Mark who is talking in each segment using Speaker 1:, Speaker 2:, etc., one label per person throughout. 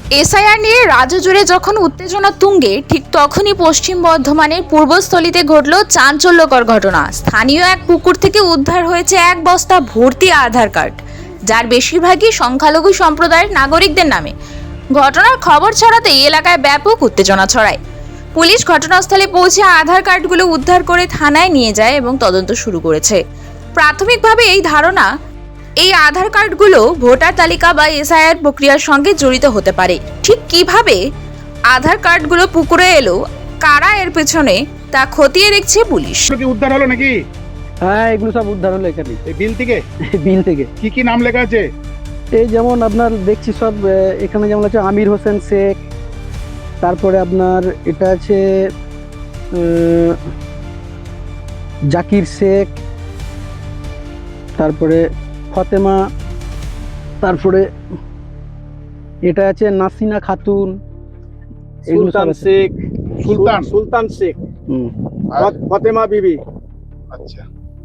Speaker 1: SIR নিয়ে রাজ্য জুড়ে যখন উত্তেজনা তুঙ্গে, ঠিক তখনই পশ্চিম বর্ধমানের পূর্বস্থলীতে ঘটল চাঞ্চল্যকর ঘটনা। স্থানীয় এক পুকুর থেকে উদ্ধার হয়েছে এক বস্তা ভর্তি আধার কার্ড, যার বেশিরভাগই সংখ্যালঘু সম্প্রদায়ের নাগরিকদের নামে। ঘটনার খবর ছড়াতেই এলাকায় ব্যাপক উত্তেজনা ছড়ায়। পুলিশ ঘটনাস্থলে পৌঁছে আধার কার্ডগুলো উদ্ধার করে থানায় নিয়ে যায় এবং তদন্ত শুরু করেছে। প্রাথমিকভাবে এই ধারণা, এই আধার কার্ডগুলো ভোটার তালিকা বা এসআইআর প্রক্রিয়ার সঙ্গে জড়িত হতে পারে। ঠিক কিভাবে আধার কার্ডগুলো পুকুরে এলো, কারা এর পেছনে, তা খতিয়ে দেখছে পুলিশ।
Speaker 2: কি উদ্ধার হলো নাকি?
Speaker 3: হ্যাঁ, এগুলো সব উদ্ধার হলো এখানে,
Speaker 2: এই বিল থেকে।
Speaker 3: বিল থেকে।
Speaker 2: কি কি নাম লেখা আছে?
Speaker 3: এই যেমন আপনার দেখছি সব এখানে যেমন আছে আমির হোসেন শেখ, তারপরে আপনার এটা আছে জাকির শেখ, তারপরে ফতেমা, তারপরে এটা আছে নাসিনা খাতুন, এগুলো সব
Speaker 4: সুলতান
Speaker 3: আছে।
Speaker 4: শেখ,
Speaker 2: সুলতান।
Speaker 4: সুলতান শেখ,
Speaker 3: হুম।
Speaker 2: আর
Speaker 4: ফতেমা বিবি।
Speaker 2: আচ্ছা,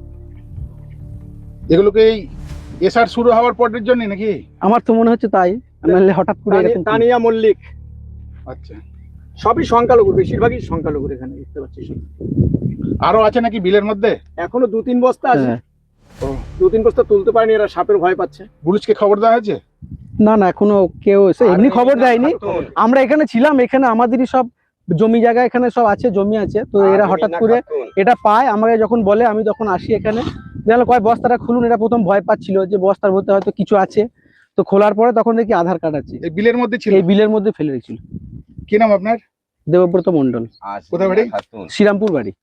Speaker 2: এগুলোকে এই এসআর শুরু হওয়ার পরের জন্য নাকি?
Speaker 3: আমার তো মনে হচ্ছে তাই, নাহলে হঠাৎ করে এরকম কি?
Speaker 4: তানিয়া মল্লিক,
Speaker 2: আচ্ছা,
Speaker 4: সবই সংখ্যালঘু, বেশিরভাগই সংখ্যালঘু এখানে দেখতে পাচ্ছি।
Speaker 2: আরো আছে নাকি বিলের মধ্যে?
Speaker 4: এখনো 2-3 বস্তা আছে।
Speaker 3: হ্যাঁ।
Speaker 4: 2-3 বস্তা তুলতে পারেনি, এরা সাপের ভয় পাচ্ছে।
Speaker 2: পুলিশকে খবর দেওয়া হয়েছে?
Speaker 3: না না, এখনো কেউ এসে এমনি খবর দেয়নি। আমরা এখানে ছিলাম, এখানে আমাদেরই সব জমি জায়গা এখানে সব আছে, জমি আছে, তো এরা হঠাৎ করে এটা পায়, আমাকে যখন বলে আমি তখন আসি এখানে, দেখলাম কয় বস্তাটা খুলুন। এরা প্রথম ভয় পাচ্ছিল যে বস্তার মধ্যে হয়তো কিছু আছে, তো খোলার পরে তখন দেখি আধার কার্ড আছে,
Speaker 2: এই বিলের মধ্যে ছিল?
Speaker 3: এই বিলের মধ্যে ফেলে রেখেছিল।
Speaker 2: কি নাম আপনার?
Speaker 3: দেবব্রত মন্ডল,
Speaker 2: কোথায় বাড়ি?
Speaker 3: শ্রীরামপুর বাড়ি।